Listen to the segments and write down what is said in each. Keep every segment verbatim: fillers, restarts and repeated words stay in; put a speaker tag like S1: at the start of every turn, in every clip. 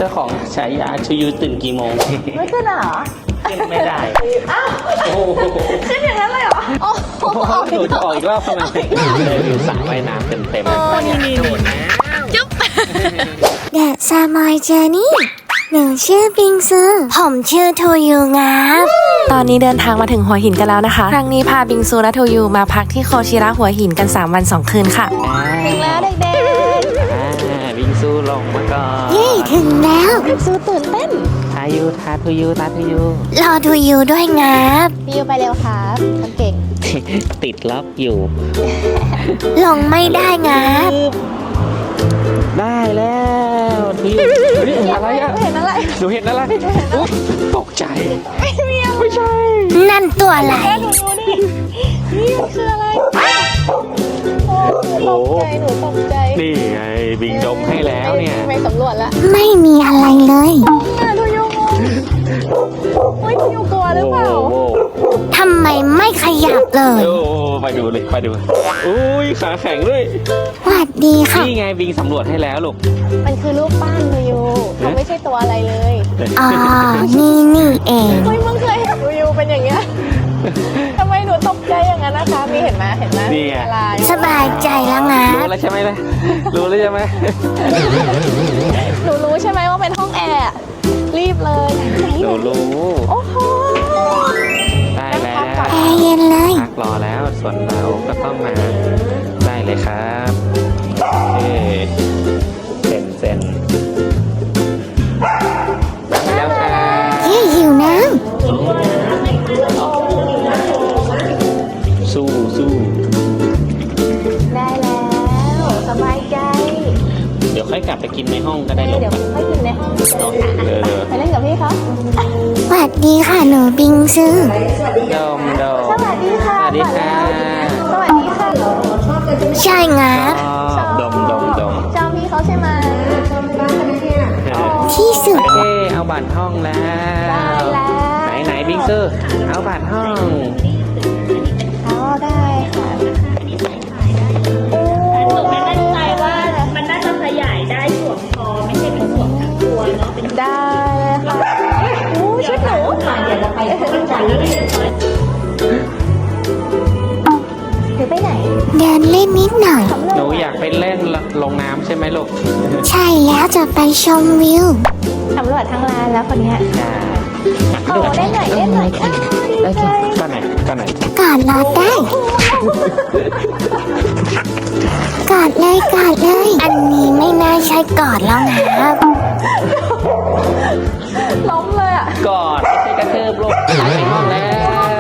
S1: จ้าของฉายาชูยูตื่นกี่โมง
S2: ไม่ขึ้นเหรอ
S1: ขึ้นไม่ได้
S2: อ้าวขึ้นอย่างนั้นเลยเหรอโอ้โห
S1: หนูจะออกอีกรอบทำไมเลยอยู่สระว่ายน้ำเต็มเต็มนี่นี่นี่
S3: จุ๊บเดอะซามอยเจอร์นี่หนูชื่อปิงซือผมชื่อทูยูงับตอนนี้เดินทางมาถึงหัวหินกันแล้วนะคะครั้งนี้พาบิงซูและทูยูมาพักที่โคชิระหัวหินกันสามวันสองคืนค่ะ
S2: ถึงแล้วเด็ก
S1: ๆบิงซูลงมาก่อน
S3: เย้ถึงแล้ว
S2: บิงซูตื่นเต้น
S1: ทายูทาทูยูทาทูยู
S3: รอทูยูด้วยงับ
S2: พี่ยูไปเร็วครับคนเก่ง
S1: ติดล็อกอยู่
S3: ลงไม่ได้งับ
S1: ได้แล้วทูยูนี่อะไรอ่ะ
S2: เห็นอะไร
S1: หนูเห็นอะไรอุ๊ยตกใจไม่มีไม่ใช่
S3: นั่นตัวอะไร
S2: หนูดูดินี่มันคืออะไรโอ้หนูตกใจหนูตกใจ
S1: นี่ไงบิงดมให้แล้วเนี่ย
S2: ไปสำรวจแล้ว
S3: ไม่มีอะไรเลย
S2: ทูยูเฮ้ยทูยูกลัวหรือเปล่า
S3: ทำไมไม่ขยับเลย
S1: โอ้ไปดูเลยไปดูอุ้ยขาแข็งด้วย
S3: สวัสดีค่ะ
S1: นี่ไงบิงสำรวจให้แล้วลูก
S2: มันคือรูปปั้นทูยูเขาไม่ใช่ตัวอะไรเลย
S3: อ๋อนี่นี่เอง
S2: เฮ้ยมึงเคยเห็นทูยูเป็นอย่างเงี้ยทำไมหนูตกใจอย่างนั้นนะคะมีเห็นไหมเห็นไหม
S1: นี่ไง
S3: สบายใจแล้วไง
S1: รู้แล้วใช่ไหมล่ะรู้แล้วใช่ไหม
S2: หนูรู้ใช่ไหมว่าเป็นห้องแอร์รีบเลย
S1: หนูรู้
S2: โอ้โห
S1: ได้แล้ว
S3: แอร์เย็นเลย
S1: พักรอแล้วส่วนเราก็ต้องมาได้เลยครับเอ๊เซ็นเซ็นแล้วค่ะ
S3: เย้หิวน้ำ
S1: สู้สู้
S2: ได้แล้วสบายใจ
S1: เดี๋ยวค่อยกลับไปกินในห้องก็ได้ลูก
S2: เดี๋ยวค่อยกินในห้อง
S1: เดี๋ยว
S2: ไปเล่นกับพี่เขา
S3: สวัสดีค่ะหนูบิงซู
S1: ดมดม
S2: สวัสดีค่ะ
S1: สวัสดีค่ะ
S2: สวัสดีค่ะ
S3: ใช่งับ
S1: ดมดมดม
S2: จอมพี่เขาใช่ไหม
S3: ที่สุด
S1: โอเคเอาบัตรห้องแล้วไหนไหนบิงซูเอาบัตรห้อง
S2: เอาได้ค่ะโอ้
S4: ไม่มั่นใจว่ามันน่าจะขยายได้สวมคอไม่ใช่เป็นสวมทั้งตัวเนาะเป็น
S2: ได้ค่ะโอ้ชุดหนู
S4: ค่ะเดี๋ยวเราไปมั่นใจแล้ว
S2: หรือไปไหน
S3: เดินเล่นนิดหน่อย
S1: หนูอยากไปเล่นลงน้ำใช่ไหมลูก
S3: ใช่แล้วจะไปชมวิว
S2: สำรวจทั้งร้านแล้วคนนี้โอ้เล่นหน่อยเล่นหน่อย
S1: ได้สิก็ไหนก็ไหน
S3: กอดรอได้กอดเลยกอดเลยอันนี้ไม่น่าใช่กอดแล้วนะครับ
S2: ล้มเลยอ่ะ
S1: กอดไม่ใช่กระเทิบลูกไปห้องแล้ว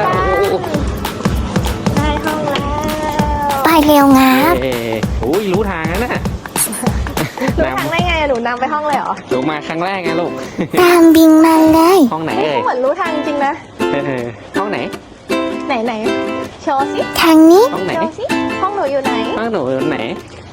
S2: ได้ห้องแล้ว
S3: ไปเร็วงับ
S1: โอ้ยรู้ทางนะน่ะ
S2: รู้ทางได้ไงหนูนำไปห้องเลยเหรอ
S1: หนูมาครั้งแรกไงลูก
S3: ตามบิงมาเลย
S1: ห้องไหนเอ่ย
S2: เหมือนรู้ทางจริงนะ
S1: ห้องไหน
S2: ไหนไหนโชว์สิ
S3: ทางนี้
S1: ห้องไหน
S2: สิห้องหนูอยู่ไหน
S1: ห้องหนูอยู่ไหน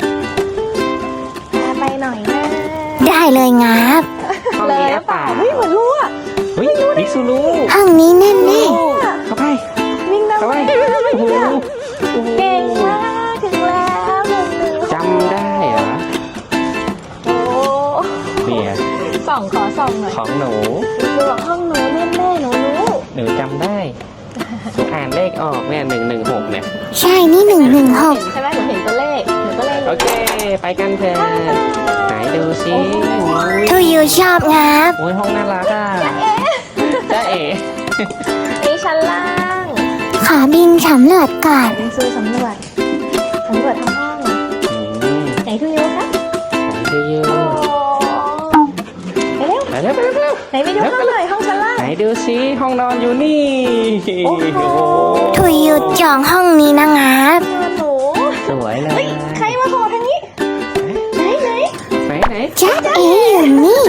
S2: ไปหน่อยนะ
S3: ได้เลยงับ
S2: เลยเปล่าเฮ้ยเหมือนรู้อ่ะ
S1: เฮ้ยมิซูรู้
S3: ห้องนี้แน่แน่
S1: เข้าไป
S2: วิ่งได้ไหมเก่งมากถึงแล้วหนึ่งหนึ่ง
S1: จำได้เหรอ
S2: โอ้
S1: เนี่ย
S2: ส่องขอส่องหน่อย
S1: ของหนู
S2: ดูห้องหนูแน่แน่หนูรู้
S1: หนูจำได้หนูอ่านเลขออกเนี่ยหนึ่งหนึ่งหกเนี่ย
S3: ใช่นี่หนึ่งหนึ่งหก
S2: ใช่ไหมหนูเห็นตัวเลขหนูก็เลย
S1: โอเคไปกันเถอะไหนดูสิ
S3: ทูยูชอบงับ
S1: โอ้ยห้องน่ารักอ่ะจ้าเอ๋
S2: นี่ชั้นล่าง
S3: ขอบินสำรวจก่อน
S2: บินซูสำรวจสำรวจทั้งห้องไหนทูยูคะ
S1: ไหนทูยู
S2: ไปเร็ว
S1: ไปเร็วไปเร็ว
S2: ไหนไปดูห้องเลยห้องชั้นล่าง
S1: ไหนดูสิห้องนอนอยู่นี่โอ้โห
S3: ทูยูจองห้องนี้นะงับ
S2: หนู
S1: สวยเลย
S2: ใครมาโผล่ทางนี้ไหนไหน
S1: ไหนไหน
S3: จ้าเอ๋อยู่นี่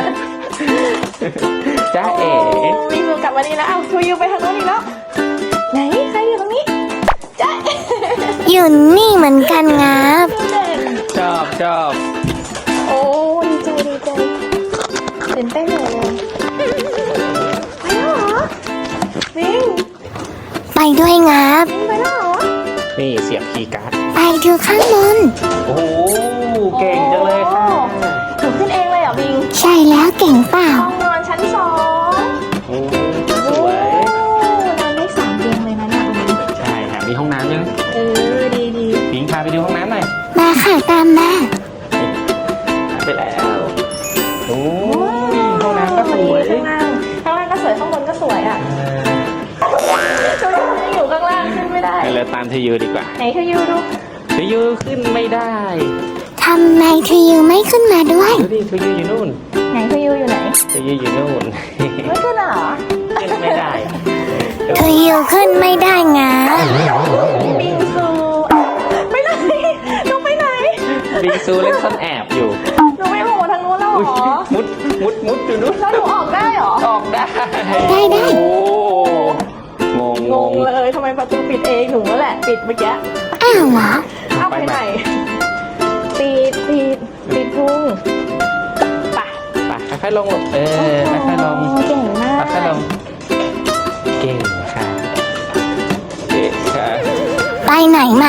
S1: จ้าเอ๋
S2: วิ่งกลับมาดีแล้วเอาทูยูไปทางโน้นอีกแล้วไหนใครอยู่ตรงนี้จ้า
S3: อยู่นี่เหมือนกันงับ
S1: ชอบชอบ
S2: โอ้ดีใจดีใจตื่นเต้นเลยไปแล้วเหรอวิ่ง
S3: ไปด้วยงับ
S2: วิ่งไปแล้วเหรอ
S1: นี่เสียบคีย์การ์ด
S3: ไปดูข้างบน
S1: โอ้โหเก่งจังเลยค่ะ
S2: หนูขึ้นเองเลยเหรอบิง
S3: ใช่แล้วเก่ก่งเปล่า
S2: ห้องนอนชั้นสอง
S1: โอ้สวย
S2: นอนได้สามเตียงเลยนะเนี่ยตรงนี้
S1: ใช่ค่ะมีห้องน้ำด้วยนะ
S2: เออดีดี
S1: พิงพาไปดูห้องน้ำหน่อย
S3: มาค่ะตามมา
S1: ไปแล้วโอ้ยห้องน้ำก็สวย
S2: ข้างล่างข้างล่างก็สวยข้างบนก็สวยอ่ะช่วยอยู่ข้างล่างขึ้นไม่ได้
S1: ไปเลยตามทียูดีกว่า
S2: ไหนเธออยู่ดู
S1: ทียูขึ้นไม่ได้
S3: ทำไมเธอยังไม่ขึ้นมาด้วย
S1: ดูดิทียูอยู่นู่น
S2: ไหนเธออยู่อยู่ไหน
S1: ทียูอยู่นู่น
S2: ไม่ขึ้นเหรอ
S1: ขึ้นไม่ได้
S3: เธอยังขึ้นไม่ได้งา
S2: บิงซูไปไหนหนูไปไหน
S1: บิงซูเล่นซ่อนแอบอยู่
S2: หนูไม่โผล่ทางนู้นแล้วเหร
S1: อุ๊ย
S2: อ
S1: มุดมุดมุดอยู่นู่น
S2: แล้วหนูออกได้เหรอ
S1: ออกได้
S3: ได้ได้
S1: โอ้งง
S2: ง
S1: ง
S2: ง
S1: ง
S2: เลยทำไมประตูปิดเองหนูนั่นแหละปิดเมื่อกี้
S3: อ้าวเหรอ
S2: เอาไปไหนปิดปิดปิดพุงไป
S1: ไปค่อยๆลงลูกเออค่อยๆลง
S2: เก่งมาก
S1: ค่อยๆลงเก่งค่ะเก่งค่ะ
S3: ไปไหนมา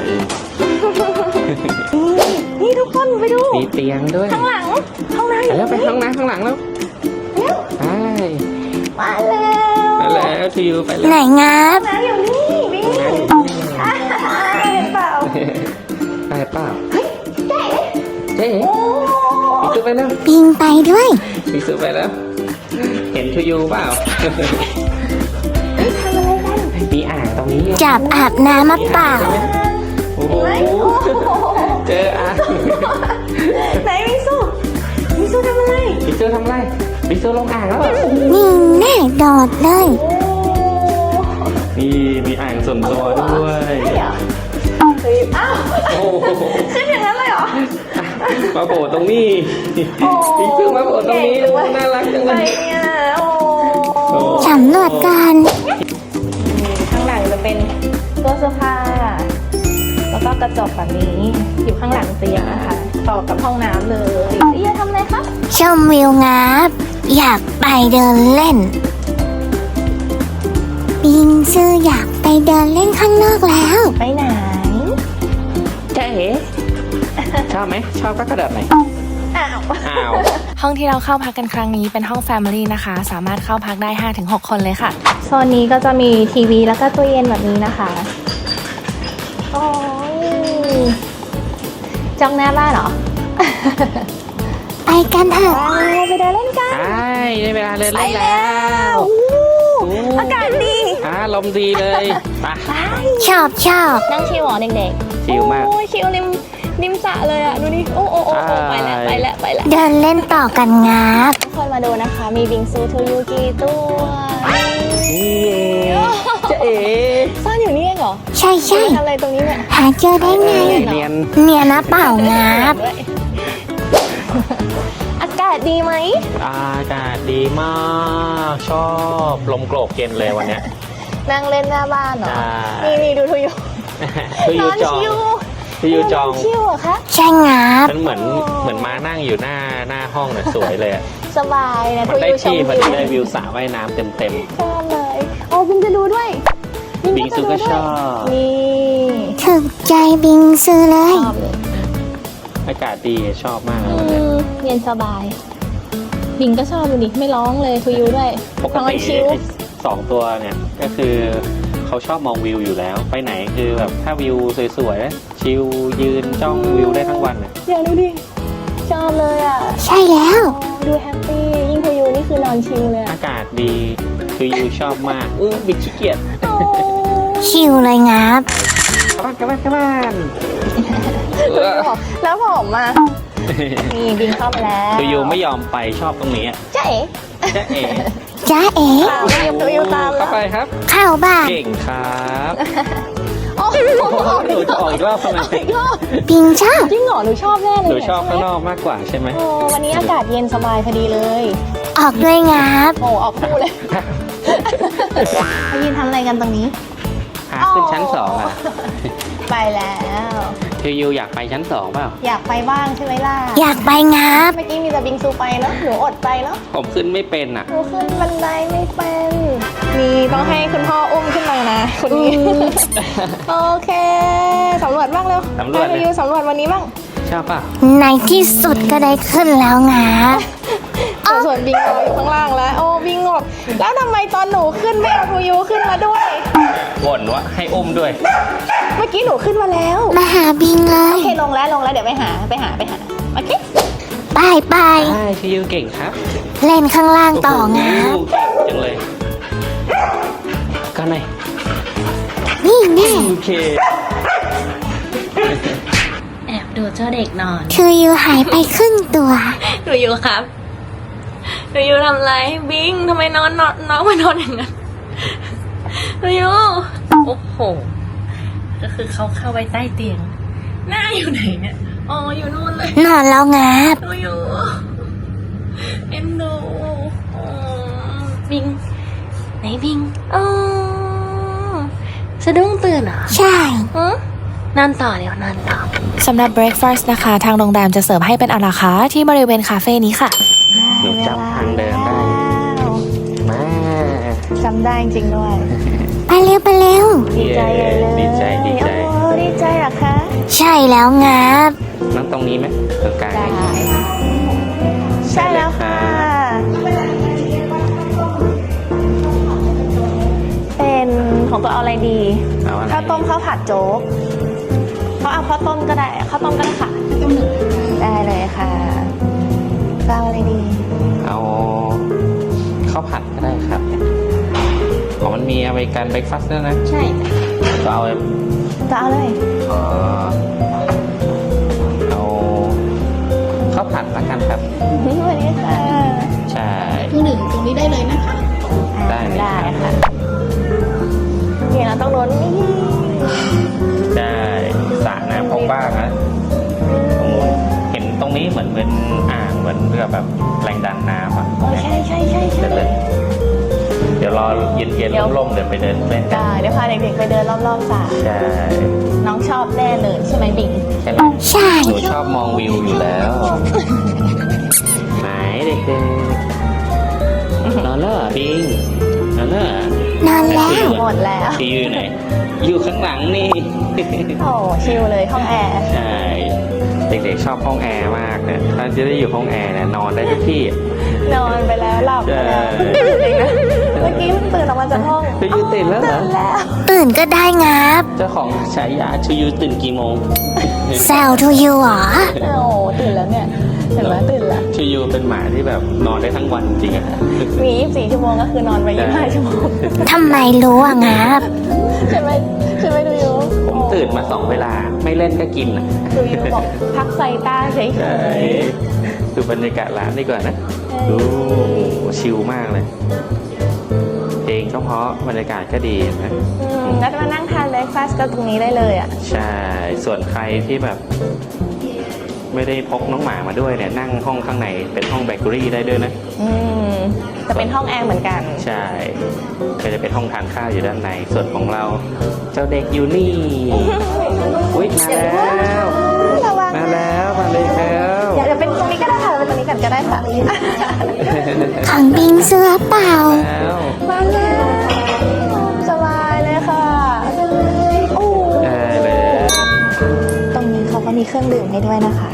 S2: นี่ทุกคนไปดู
S1: มีเตียงด้วย
S2: ข้างหลังข้างใน
S1: ไปแล้วไปข้างหน้าข้างหลังแล้วไป
S2: มาแล้ว
S1: ไปแล้วทียูไปแล้
S3: ไหน
S1: ว
S3: งับ
S2: น้ำอยู่นี่บิงอ่าเห็นเปล่า
S1: ไปเปล่าเจ๊ปีซูไปแล้ว
S3: ปิงไปด้วย
S1: ปีซูไปแล้ว เห็นทียูเปล่ามีอ่างตรงนี้
S3: จับอาบน้ำมาเปล่า
S1: โอ้โหเจออ่าง
S2: ไหนบิงซูบิงซูทำอะไร
S1: ปีซูทำไรปีซูลงอ่างแล้วเหรอ
S3: นี่แน่โดดเลย
S1: นี่มีอ่างส่วนตัวด้วย
S2: เดี๋ยวเฮ้ยอ้าว
S1: โอ้โห
S2: ขึ้นอย่างนั้นเลยเหรอ
S1: มาโผล่ตรงนี้ปีซูมาโผล่ตรงนี้น่ารักจัง
S2: ไป
S1: เลย
S2: เนี่ยโอ้
S3: สำรวจกัน
S2: ข้างหลังจะเป็นตู้เสื้อผ้า แล้วก็กระจกแบบนี้ อยู่ข้างหลังเตียงนะคะ ต่อกับห้องน้ำเลยเอียทำอะไรคะ
S3: ชมวิวงับ อยากไปเดินเล่น ปิงซื้ออยากไปเดินเล่นข้างนอกแล้ว
S2: ไปไหน
S1: เจ๊ชอบไหมชอบก็กระโดดไหน
S2: อ้าว
S1: อ้าว
S3: ห้องที่เราเข้าพักกันครั้งนี้เป็นห้อง Family นะคะ สามารถเข้าพักได้ ห้าถึงหก คนเลยค่ะ
S2: โซนนี้ก็จะมีทีวีแล้วก็ตู้เย็นแบบนี้นะคะโอ้ยจ้องหน้าบ้านเหรอ
S3: ไปกันเถอะ
S2: ไปไปเดินเล่นกัน
S1: ใช่ได้เวลาเล่นเล่นแล้ว
S2: อู้อากาศดี
S1: อ่าลมดีเลยไป
S3: ชอบชอบ
S2: นั่งชิลเหรอเด็กๆ
S1: ชิลมาก
S2: โอ้ยชิลริมริมสระเลยอ่ะ ดูดิ โอ้โอ้โอ้โอ้ไปแล้วไปแล้วไปแล้ว
S3: เดินเล่นต่อกันงับ
S2: ทุกคนมาดูนะคะ มีบิงซูทูยูกี่ตัว
S1: นี่เองเจ๊เอ๋
S2: ซ่อนอยู่นี่เองเหรอ
S3: ใช่ใช่
S2: ทำอะไรตรงนี้เนี่ย
S3: หาเจอได้ไง
S1: เนียน
S3: เนี่ยนะเปล่างับ
S2: ด้วยอากาศดีไหม
S1: อากาศดีมากชอบลมโกรกเย็นเลยวันเนี้ย
S2: นั่งเล่นหน้าบ้านเหรอ
S1: ใช่
S2: นี่นี่ดูทูยู
S1: ที
S2: น
S1: ยู
S2: อน
S1: จอง
S2: ชิล
S1: ทียูจอง
S2: นนชิลเหรอคะ
S3: ใช่งับ
S1: มันเหมือนเหมือนมานั่งอยู่หน้าหน้าห้องน่ะสวยเลยอะ
S2: สบายนะ
S1: มั
S2: ทู
S1: นได้
S2: ยูชม
S1: ที่พอ
S2: วิ
S1: ดี
S2: ว
S1: ได้วิวสระว่ายน้ำเต็มเต็ม
S2: ชอบเลยโอ้บิงจะดูด้วย
S1: บิงซูก็ชอบ
S2: นี่
S3: ถึกใจบิงซื้อเลย
S2: ชอบเลย
S1: อากาศดีชอบมากเลย
S2: อื
S1: วันเนี้ย
S2: มเย็นสบาย บิงก็ชอบดูดิไม่ร้องเลยทูยูด้วย
S1: ปก
S2: นอน
S1: ติ
S2: ชิล
S1: ไอ้สองตัวเนี่ยก็คือเขาชอบมองวิวอยู่แล้ว ไปไหนคือแบบถ้าวิวสวยๆชิลยืนจ้องวิวได้ทั้งวันน่ะ
S2: อย่าดูดิชอบเลยอ่ะ
S3: ใช่แล้ว
S2: โอ้ดูแฮปปี้ยิ่งทูยูนี่คือนอนชิลเลยอะ
S1: อากาศดีคือยูชอบมากอู้บิดขี้เกียจ
S2: โอ้
S3: ชิวเลยงับ
S1: กลับบ้านกลับบ้านกลับบ้าน
S2: แล้วผมอ่ะนี่บิงเข้ามาแล้ว
S1: คือยูไม่ยอมไปชอบตรงนี้อะ
S2: เจ๊
S1: จ๊ะเอ๋
S3: จ้าเอ๋
S2: ตามไม่ยอมทูยูตามแล้
S1: เข้าว ไปครับ
S3: เข้าบ้าน
S1: เก่งครับ
S2: โอ้โห
S1: โอ้โหหนูจะออกอีกรอบทำไม
S2: อีกรอบ
S3: ปิงชอบ
S2: จริงเหรอหนูชอบแน่เลย
S1: หนู
S2: เนี่ย
S1: ชอบข้างนอกมากกว่าใช่ไหม
S2: โอ้วันนี้อากาศเย็นสบายพอดีเลย
S3: ออกด้วยงับ
S2: โอ้ออกคู่เลยมายืนทำอะไรกันตรงนี้
S1: หาขึ้นชั้นสองอ่ะ
S2: ไปแล้ว
S1: คือยูอยากไปชั้นสองเปล่า
S2: อยากไปบ้างใช่ไหมล่ะ
S3: อยากไปงับ
S2: เมื่อกี้มีแต่บิงซูไปเนาะหนูอดไปเนาะ
S1: ผมขึ้นไม่เป็นอ่ะ
S2: หนูขึ้นบันไดไม่เป็นนี่ต้องให้คุณพ่ออุ้มขึ้นมานะคนนี้โอเคสำรวจบ้างเร็ว
S1: สำรวจเลย
S2: ไปยูสำรวจวันนี้บ้าง
S1: ชอบเปล่า
S3: ในที่สุดก็ได้ขึ้นแล้วงับ
S2: แต่ส่วนบิงรออยู่ข้างล่างแล้ว โอ้บิงงบแล้วทำไมตอนหนูขึ้นไม่เอาทูยูขึ้นมาด้วย
S1: บ่นว่าให้อุ้มด้วย
S2: เมื่อกี้หนูขึ้นมาแล้ว
S3: มาหาบิงเล
S2: โอย เคลงแล้วลงแล้วเดี๋ยวไปหาไปหาไปหาโอเค
S3: บายบาย
S1: ใช่ชิยูเก่งครับ
S3: เล่นข้างล่างต่องา
S1: โอ้
S3: บ
S1: โหเก่งจังเลยก็ไหน
S3: นี่แน่
S1: โอเค
S2: แอบดูเจ้าเด็กนอน
S3: ทูยูหายไปครึ่งตัว
S2: หนูอยู่ครับหนูอยู่ทำไรบิงทำไมนอนนอนน้องมานอนอย่างนั้นหนูอยู่โอ้โหก็คือเขาเข้าไปใต้เตียงหน้าอยู่ไหนเนี่ยอ๋ออยู่นู่นเลย
S3: นอนแล้วงาบ
S2: หนูอยู่เอ็นดูอ๋อบิงไหนบิงอ๋อสะดุ้งตื่นเหรอ
S3: ใช่
S2: หือนอนต่อเดี๋ยวนอนต่อ
S3: สำหรับ breakfast นะคะ ทางโรงแรมจะเสิร์ฟให้เป็นอาราคาร์ทที่บริเวณคาเฟ่นี้ค่ะ
S1: หนูจำทางเดินได้ มา
S2: จำได้จริงด้วย
S3: ไปเร็วไปเร็ว
S2: ดีใจเลย
S1: ดีใจดีใจ
S2: โอ้ดีใจเหรอคะ
S3: ใช่แล้วงาบ
S1: นั่งตรงนี้ไหมตรงกลาง
S2: ได้ใช่แล้วค่ะ เป็นของตัวเอาอะไรดี
S1: เอาอะไร
S2: ข้าวต้มข้าวผัดโจ๊กเขาเอาข้าวต้มก็ได้ข้าวต้มก็ได้ค่ะได้เลยค่ะก็เอาอะไรดี
S1: เอาข้าวผัดก็ได้ครับอ๋อมันมีอเมริกันเบรกฟาสต์ด้วยนะ
S2: ใช่
S1: ก็เอา
S2: จะเอาเลย
S1: เอ่อเอาข้าวผัดละกันครับ
S2: สวัสดีค่ะ
S1: ใช่
S2: คือหนึ่งตรงนี้ได้เลยนะคะ
S1: ได้เลย
S2: ได้
S1: ครับ
S2: ค่ะนี่เราต้องโดนนี่
S1: ได้สระน้ำของบ้างนะตรงนู้นเห็นตรงนี้เหมือนเป็นอ่างเหมือนเรือแบบแรงดันน้ำอ่ะ
S2: โอ้ใช่ใช่ใช่ใช่
S1: เดี๋ยวเลยเดี๋ยวรอเย็น
S2: เดี๋ยว
S1: ๆร่มๆเดี๋ยวไปเดินเล่นกัน
S2: ได้เดี๋ยวพาเด็กๆไปเดินรอบๆสระ
S1: ใช่
S2: น้องชอบแน่เลยใช่ไหมบิง
S1: ใช่ไหม
S3: ใช่
S1: หนูชอบมองวิวอยู่แล้วไหนเด็กๆนอนแล้วเหรอบิงนอนแล้วเหรอน
S3: อนแล้ว
S2: หมดแล้ว
S1: ที่อยู่ไหนอยู่ข้างหลังนี่
S2: โอ้ชิลเลยห้องแอร์
S1: ใช่ เด็กๆชอบห้องแอร์มากเนี่ยถ้าจะได้อยู่ห้องแอร์เนี่ยนอนได้ทุกที่
S2: นอนไปแล้วหลับไปแล้ว
S1: ใช่
S2: จริงนะเมื่อกี้เพิ่งตื่นออกมาจากห้อง
S1: ชูยูตื่นแล้วเหรอ
S2: ตื่นแล้ว
S3: ตื่นก็ได้งาบ
S1: เจ้าของฉายาชูยูตื่นกี่โมง
S3: แซวทูยูเหรอ
S2: โอ้ตื่นแล้วเนี่ยเห็นไหมตื่นแล้ว
S1: ชูยูเป็นหมาที่แบบนอนได้ทั้งวันจริงอะ
S2: มียี่สิบสี่ชั่วโมงก็คือนอนไปยี่สิบห้าชั่วโมง
S3: ทำไมรู้อ่ะงาบ
S2: ใช่ไหมใช่ไหมดูยู
S1: ผมตื่นมาสองเวลาไม่เล่นก็กินอะ
S2: ดูยูบอกพักไซต้าเฉย
S1: ใช่ดูบรรยากาศร้านดีกว่านะดูชิลมากเลยเพลงก็เพราะบรรยากาศก็ดีนะ
S2: ๆอืมแล้วมานั่งทานเบรคฟาสต์ก็ตรงนี้ได้เลยอ่ะ
S1: ใช่ ส่วนใครที่แบบ ไม่ได้พกน้องหมามาด้วยเนี่ยนั่งห้องข้างในเป็นห้องเบเกอรี่ได้ด้วยนะ
S2: อืมจะเป็นห้องแอร์เหมือนกัน
S1: ใช่ก็จะเป็นห้องทานข้าวอยู่ด้านใน ส่วนของเรา เจ้าเด็กอยู่นี่ อุ๊ยมาแล้ว
S2: ระวัง
S1: มาแล้วมาเลยแล้ว
S2: เดี๋ยวเดี๋ยวเป็นตรงนี้ก็ได้ค่ะเป็นตรงนี้กันก็ได้ค่ะ
S3: ของบิงเสื้อเปล่า
S1: แล้ว
S2: มาแล้วสบายเลยค่ะโอ้
S1: ได้เลย
S2: ตรงนี้เขาก็มีเครื่องดื่มให้ด้วยนะคะ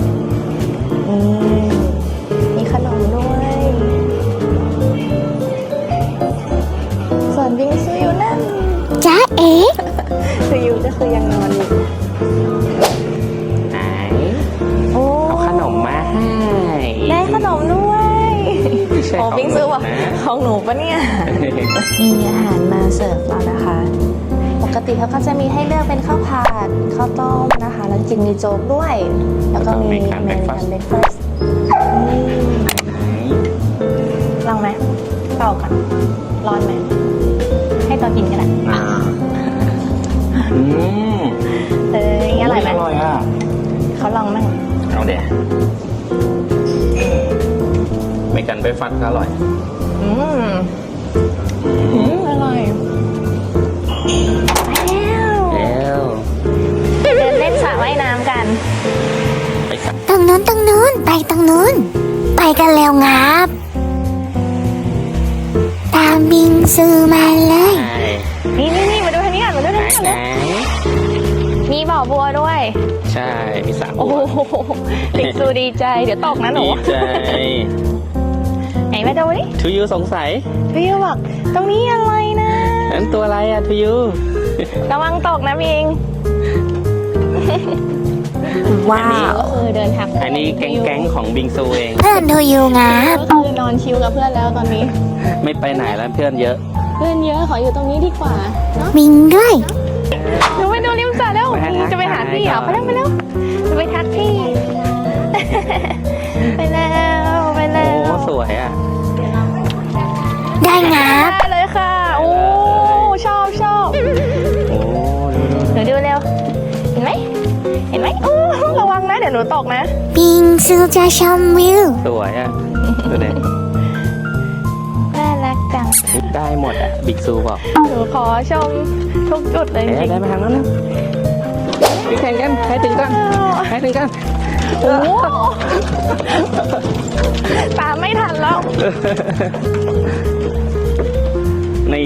S2: นี่มีขนมด้วย ส่วนบิงซูอยู่นั่น
S3: จ้าเอ๋
S2: ซูยูก็คือยังนอนอยู่
S1: ไหน
S2: โอ้
S1: เอาขนมมาให้
S2: ได้ขนมด้วย
S1: ไม่ใช่
S2: โอ้
S1: ของ
S2: บิงซูบอก
S1: หนูนะ
S2: ของหนูปะเนี่ย มีอาหารมาเสิร์ฟแล้วนะคะ ปกติเขาก็จะมีให้เลือกเป็นข้าวผัดข้าวต้มนะคะ แล้วจริงมีโจ๊กด้วย แล้วก็มี
S1: แล้วก็มี
S2: อ
S1: การ
S2: เมริกัน
S1: breakfast
S2: เบรคฟาสต์ลองไหมเป่าก่อนร้อนไหม ให้ตัวกินก็ได้
S1: อ่าอืม
S2: เอ้ยอร่อยไหม
S1: อร่อยอ่ะ
S2: เขาลองมั่ง
S1: เอาเดี๋ยวไม่กันไปฟัดก็อร่อย
S2: อืมอืมอร่อยแล้ว
S1: แล้ว
S2: เดินเล่นสระว่ายน้ำกัน
S1: ไปสัก
S3: ตรงนู้นตรงนู้นไปตรงนู้น ไปกันแล้วงาบ ตามบิงซูมาเลย
S1: ไหน
S2: นี่นี่นี่มาดูทางนี้ก่อนมาดู
S1: ไหน
S2: ทางนี้ก่อน
S1: ไหน
S2: เลยมีบ่อบัวด้วย
S1: ใช่ มีสระ
S2: โอ้
S1: บัว
S2: โหติงซูดีใจ เดี๋ยวตกนะหนู
S1: ดีใจ
S2: มาดูดิ
S1: ทูยูสงสัย
S2: ทูยูบอกตรงนี้อะไรนะ
S1: นั้นตัวอะไรอะทูยู
S2: ระวังตกนะพิง
S3: ว้าว
S2: ก็คือเดินทาง
S1: อันนี้แก๊งๆของบิงซูเอง
S3: เพื่อนทูยูงับ
S2: ก็คือนอนชิลกับเพื่อนแล้วตอนนี้
S1: ไม่ไปไหนแล้วเพื่อนเยอะ
S2: เพื่อนเยอะขออยู่ตรงนี้ดีกว่าเนาะ
S3: บิงด้วย
S2: หนูไปดูริมสระแล้ว
S1: ไปหาทัก
S2: จะไปหาพี่เหรอ
S1: ทาย
S2: ไป
S1: ก่อน
S2: แล้วไปแล้วจะไปทักพี่ ไปแล้วไปแล้
S1: โอ้
S2: ว
S1: สวยอะ
S3: ได้งับ
S2: ได้เลยค่ะ โอ้ชอบชอบ
S1: โอ้ดูดู
S2: หนูดูเร็ว เห็นไหมเห็นไหมโอ้ระวังนะเดี๋ยวหนูตกนะ
S3: บิงซูจะชมวิว
S1: สวยอะดูดิ
S2: น่ารักจัง
S1: ได้หมดอะบิงซูบอก
S2: หนูขอชมทุกจุดเลยจ
S1: เอ๊ะ
S2: ริง
S1: ได้มาทางนั้นแล้วไปแข่งกันใครถึงกันใครถึงกัน
S2: ๆโอ้ตามไม่ทันแล้ว
S1: นี่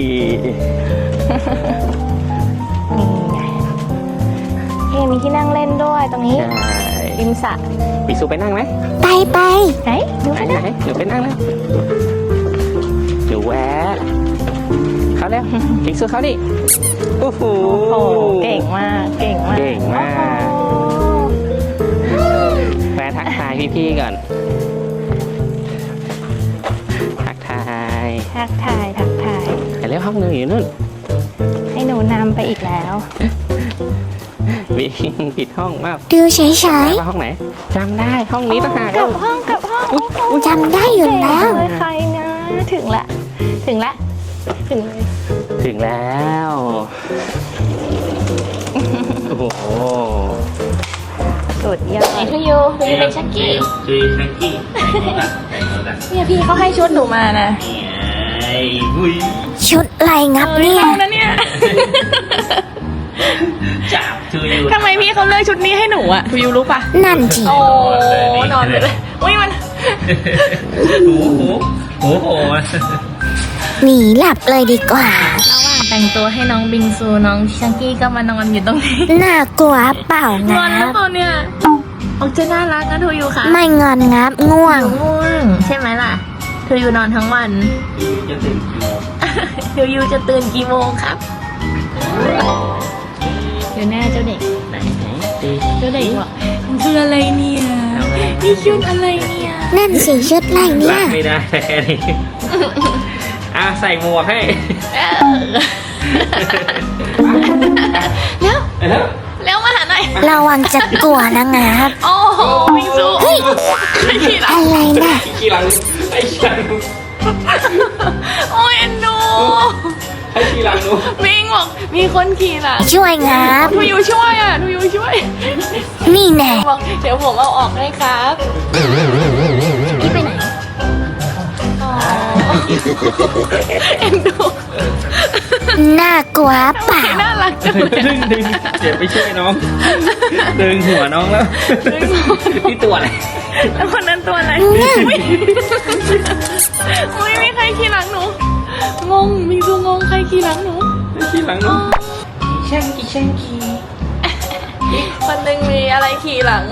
S2: นี่ไงเฮ้มีที่นั่งเล่นด้วยตรงนี้
S1: ใช่
S2: ริมสระ
S1: บิงซูไปนั่งไหม
S3: ไปไป
S2: ไหนดู
S1: ไหน
S2: ไป
S1: ไหน
S2: นะ
S1: หนูไปนั่งนะหนูแวะเขาแล้วบิงซูเขาดิโอ้โห
S2: โอ้โหเก่งมาก เก่งมาก
S1: เก่งมาก
S2: โอ้โห
S1: แวะทักทายพี่ๆก่อน ทักทาย
S2: ทักทายทักทาย
S1: ไปเร็วห้องหนึงอยู่นู่น
S2: ให้หนูนำไปอีกแล้ว
S1: วิ่งผิดห้องมาก
S3: ดูเฉย
S1: ว่าห้องไหนจำได้ห้องนี้ต่างหาก
S2: กลับห้องกลับห้องโอ้โห
S3: ๆจำได้อยู่แล้ว
S2: เก่งเลยใครนะ ถึงละ ถึงละ ถึงเลย
S1: ถึงแล้วโอ้โห
S2: สุดยอดทูยูทูยูเป็นชักกี้
S1: จุยชักกี้
S2: เนี่ยพี่เขาให้ชุดหนูมานะ
S1: ไอ้บุย
S3: ชุดอะไรงับเนี่ย
S2: อานะเนี่ย
S1: จับจุย
S2: ทำไมพี่เขาเลือกชุดนี้ให้หนูอะทูยูรู้ปะ
S3: นั่นจี
S2: โอ้นอนไปเลยอุ้ยมัน
S1: หูหูหูโห
S3: หนีหลับเลยดีกว่า
S2: ระหว่างแต่งตัวให้น้องบิงซูน้องชังกี้ก็มานอนอยู่ตรงนี้
S3: น่ากลัวเปล่าง
S2: ง
S3: งั
S2: อนแล้ว
S3: บ
S2: ตัวเนี่ยออกจะน่ารักนะทูยูค่ะ
S3: ไม่งอนงับง่วง
S2: ง่วงใช่ไหมล่ะทูยูนอนทั้งวัน
S1: จะถึงกี่โมง
S2: ทูยูจะตื่นกี่โมงครับเดี๋ยวหน้าเจ้าเด็ก
S1: ไหนไหนตี
S2: เจ้าเด็กบอกมันคืออะไรเนี่ยนี่ชุดอะไรเนี่ย
S3: นั่นสิชุดอะไรเนี่
S1: รั
S3: ย
S1: กไม่ได้แค่นี้อ่ะใส่หมวกให้
S2: เร็ว
S1: แล้ว
S2: เร็วมาหาหน่อย
S3: ระวังจะกลัวนะงับ
S2: โอ้โหบิงซูไม่ผิดอ่ะ
S3: อะไรน่ะ
S1: ขี้หลังไอ้ขี้หลัง
S2: โอ้ยเอ็นดู
S1: ไอ้ขี้หลังหนู
S2: บิงบอกมีคนขี่หลัง
S3: ช่วยงับ
S2: ทูยูช่วยอ่ะทูยูช่วย
S3: นี่แน่
S2: บอกเดี๋ยวผมเอาออกให้ครับนี่ไปไหนอ๋อเอ็นดู
S3: น่ากลัวเปล่า
S2: น่ารักจังเลย
S1: ดึงดึงเดี๋ยวไปช่วยน้องดึงหัวน้องแล้วที่ตัวอะไร
S2: แล้วคนนั้นตัวอะไรอุ้ยมีใครขี่หลังหนูงงมีซูงงใครขี่หลังหนู
S1: ไอ้ขี้หลังหนูแช่งกี่แช่งกี่
S2: คนหนึ่งมีอะไรขี่หลัง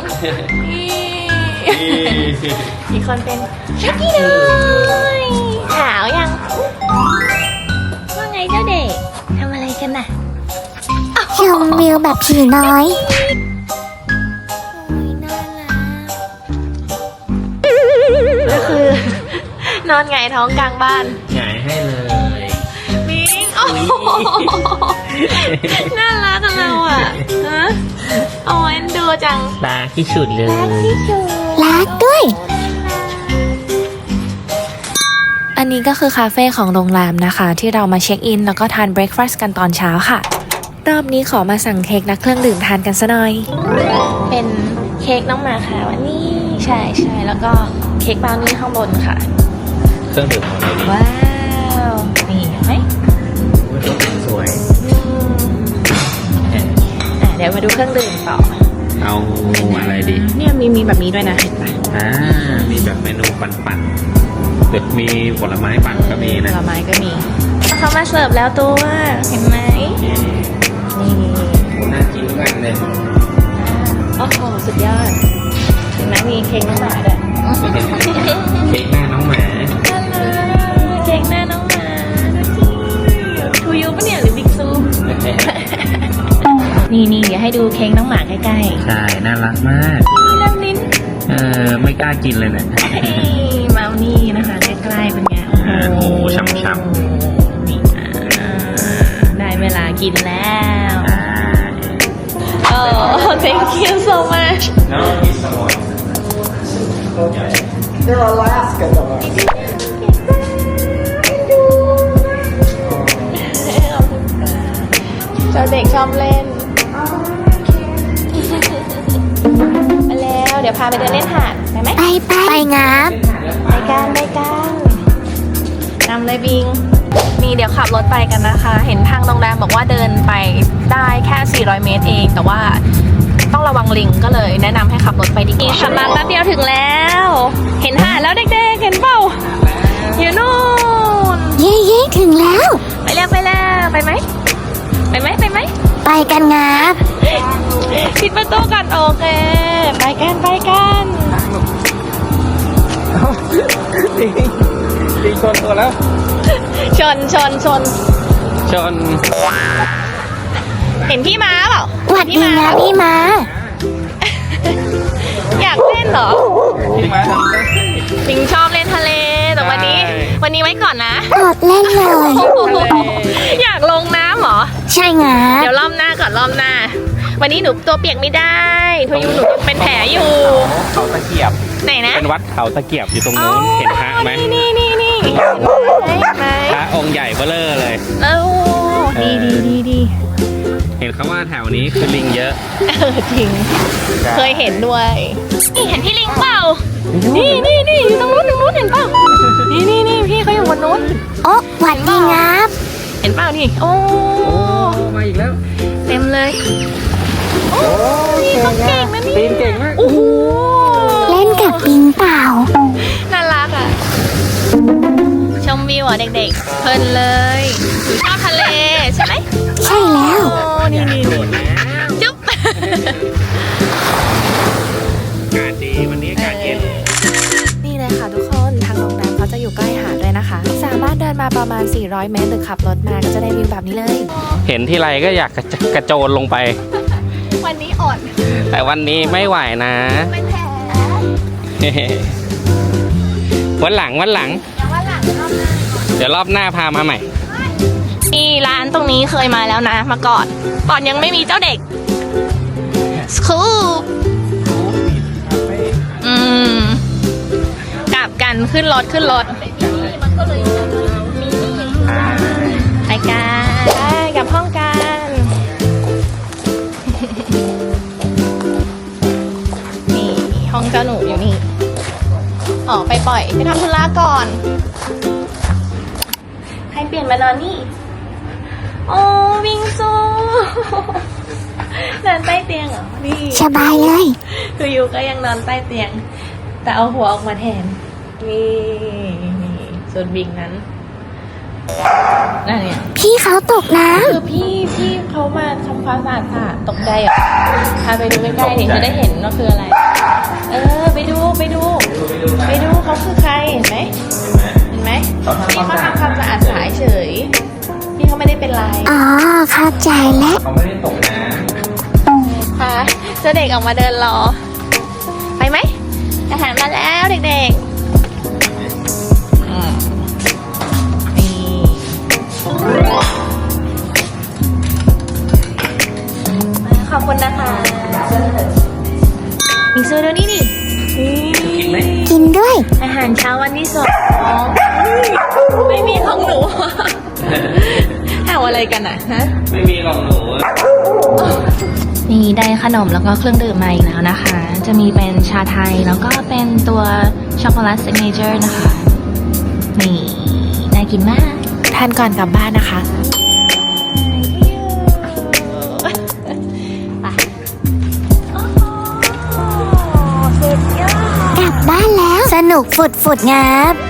S2: อีกคนเป็นชักกี้เลยขาวยังว่าไงเจ้าเด็กทำอะไรกันน่ะ
S3: ชมวิวแบบผีน้อย
S2: ก็คือนอนไงท้องกลางบ้าน
S1: หงายให้เลย
S2: มิงโอ้โหน่ารักกันเราอ่ะฮะโอ้ยเอ็นดูจัง
S1: ตาที่สุดเลย
S3: รักด้วย
S5: อันนี้ก็คือคาเฟ่ของโรงแรมนะคะ ที่เรามาเช็คอินแล้วก็ทานเบรคฟาสต์กันตอนเช้าค่ะ รอบนี้ขอมาสั่งเค้กและเครื่องดื่มทานกันซะหน่อย
S2: เป็นเค้กน้องหมาค่ะวันนี้ใช่ใช่แล้วก็เค้กบราวนี่ข้างบนค่ะ
S1: เครื่องดื่มของเราดี
S2: ว้าวนี่เห็นไหม
S1: สวย
S2: อ่ะเดี๋ยวมาดูเครื่องดื่มต่อ
S1: เอาอะไรดี
S2: เนี่ยมีมีแบบนี้ด้วยนะเห็นปะ
S1: อ่ามีแบบเมนูปั่นๆหรือมีผลไม้ปั่นก็มี
S2: ผ
S1: นะ
S2: ลไม้ก็มีเขามาเสิร์ฟแล้วตัวเห็นไหมนี่
S1: น่ากินมากเลย
S2: โอ้โหสุดยอดเห็นไหมมีเค้กน้องหมาด้วย
S1: เค้กหน้าน้องหมา
S2: น่ารันี่นี่เดี๋ยวให้ดูเค้กน้องหมาใกล้
S1: ใช่ น่ารักมาก
S2: ๆน้ำลิ้น
S1: เออ ไม่กล้ากินเลยเนี่ย
S2: มาเอานี่นะคะใกล้ๆเป็นไง
S1: อ่าโอ้โหฉ่ำๆ
S2: นี่อ่าได้เวลากินแล้ว
S1: อ่า
S2: โอ้ thank you so much
S1: No, he's someone.
S6: They're Alaska dogs.
S2: เจ้าเด็กชอบเล่นมาแล้วเดี๋ยวพาไปเดินเล่นหาดไปไหม
S3: ไปไปไปงับ
S2: ไปกันไปกันนำเลยบิงนี่เดี๋ยวขับรถไปกันนะคะ เห็นทางโรงแรมบอกว่าเดินไปได้แค่สี่ร้อยเมตรเอง แต่ว่าต้องระวังลิงก็เลยแนะนำให้ขับรถไปดีกว่าขับมาแป๊บเดียวถึงแล้ว เห็นหาดแล้วเด็กๆเห็นเปล่าอยู่นู่น
S3: เย้เย้ถึงแล้ว
S2: ไปแล้วไปแล้วไปไหมไปไหมไปไหม
S3: ไปกันงับ
S2: ปิดประตูกันโอเคไปกันไปกัน
S1: ลิงชนตัวแล้ว
S2: ชนชนชน
S1: ชน
S2: เห็นพี่ม้าเปล่า
S3: หวัดดีนะพี่มา
S2: อยากเล่นเหรอ
S1: พี่มาทำได้
S2: ปิงชอบเล่นทะเลแต่วันนี้
S1: ใช่
S2: วันนี้ไว้ก่อนนะ
S3: อดเล่นเลย
S2: อยากลงน้ำเหรอ
S3: ใช่งับ
S2: เดี๋ยวรอบหน้าก่อนรอบหน้า วันนี้หนูตัวเปียกไม่ได้ทุยูหนูยังเป็นแผลอยู่
S1: เขาตะเกียบ
S2: ไหนนะ
S1: เป็นวัดเขาตะเกียบอยู่ตรงนู้น เห็นพระไหม
S2: นี่นี่นี่นี่เห็นไหม
S1: พระองค์ใหญ่เบ้อเร่อเลย
S2: เอ้าดีดีดีดี
S1: เห็นเขาว่าแถวนี้คือลิงเยอะ
S2: เออจริง เคยเห็นด้วย นี่เห็นพี่ลิงเปล่า นี่นี่นี่อยู่ตรงนู้นตรงนู้นเห็นเปล่า นี่นี่นี่พี่เขาอยู่บนนู้น
S3: โอ๊ะหวัดดีงับ
S2: เห็นเปล่านี่ โอ้
S1: โอ้ มาอีกแล้ว
S2: เต็มเลย โอ้นี่เขาเก่งนะนี่
S1: ปีนเก่งมาก
S2: โอ้โห
S3: เล่นกับปิงเปล่า
S2: น่ารักอ่ะ ชมวิวอ่ะเด็กๆ เพลินเลยหนูชอบทะเลใช่ไหม
S3: ใช่แล้ว
S2: โอ้นี่นี่นี่จุ๊บ
S1: อากาศดีวันนี้อากาศเย็น
S5: นี่เลยค่ะทุกคนทางโรงแรมเขาจะอยู่ใกล้หาดด้วยนะคะ สามารถเดินมาประมาณ สี่ร้อย เมตรหรือขับรถมาก็จะได้วิวแบบนี้เลย
S1: เห็นที่ไรก็อยากกระกระโจนลงไป
S2: วันนี้อ่อน
S1: แต่วันนี้ไม่ไหวนะ
S2: เป็นแผล
S1: วันหลังวันหลัง
S2: อย่างว่าหลังรอบหน้า
S1: เดี๋ยวรอบหน้าพามาใหม่
S2: นี่ร้านตรงนี้เคยมาแล้วนะมาก่อนก่อนยังไม่มีเจ้าเด็กสคูปอืมกลับกันขึ้นรถขึ้นรถไปกันไปกลับห้องกัน นี่ห้องเจ้าหนูอยู่นี่ออกไปปล่อยไปทำธุระก่อนให้เปลี่ยนมานอนนี่ โอ้วิงซูนอนใต้เตียงเหรอ นี่
S3: สบายเลย
S2: คือยูก็ยังนอนใต้เตียง แต่เอาหัวออกมาแทน นี่นี่ส่วนบิงนั้นนั่นเนี่ย
S3: พี่เขาตกน้
S2: คือพี่พี่เขามาทำความสะอาดสะอาดตกใจเหรอพาไปดูใกล้ๆดิจะได้เห็นว่าคืออะไร เออ ไปดูไปดู ไปดูเขาคือใครเห็นไหมเห็นไหมพี่เขาทำความสะอาดสายเฉยพี่เขาไม่ได้เป็นไร
S3: ำอ๋อเข้าใจแล้ว
S1: เขาไม่ได้ตกน้
S2: ค่ะเจ้าเด็กออกมาเดินรอ ไปไหมอาหารมาแล้วเด็กๆอืมนี่ขอบคุณนะคะมิงซูดูนี่ดินี่
S3: กินด้วย
S2: อาหารเช้าวันที่สองไม่มีของหนูเอาอะไรกันอ่ะฮะ
S1: ำไม่มีหรอกหนู
S2: นี่ได้ขนมแล้วก็เครื่องดื่มมาอีกแล้วนะคะ จะมีเป็นชาไทยแล้วก็เป็นตัวช็อกโกแลตซิกเนเจอร์นะคะ นี่น่ากินมาก
S5: ทานก่อนกลับบ้านนะคะ
S2: ไปโอ้โหสุดยอด
S3: กลับบ้านแล้ว สนุกฝุดฝุดงับ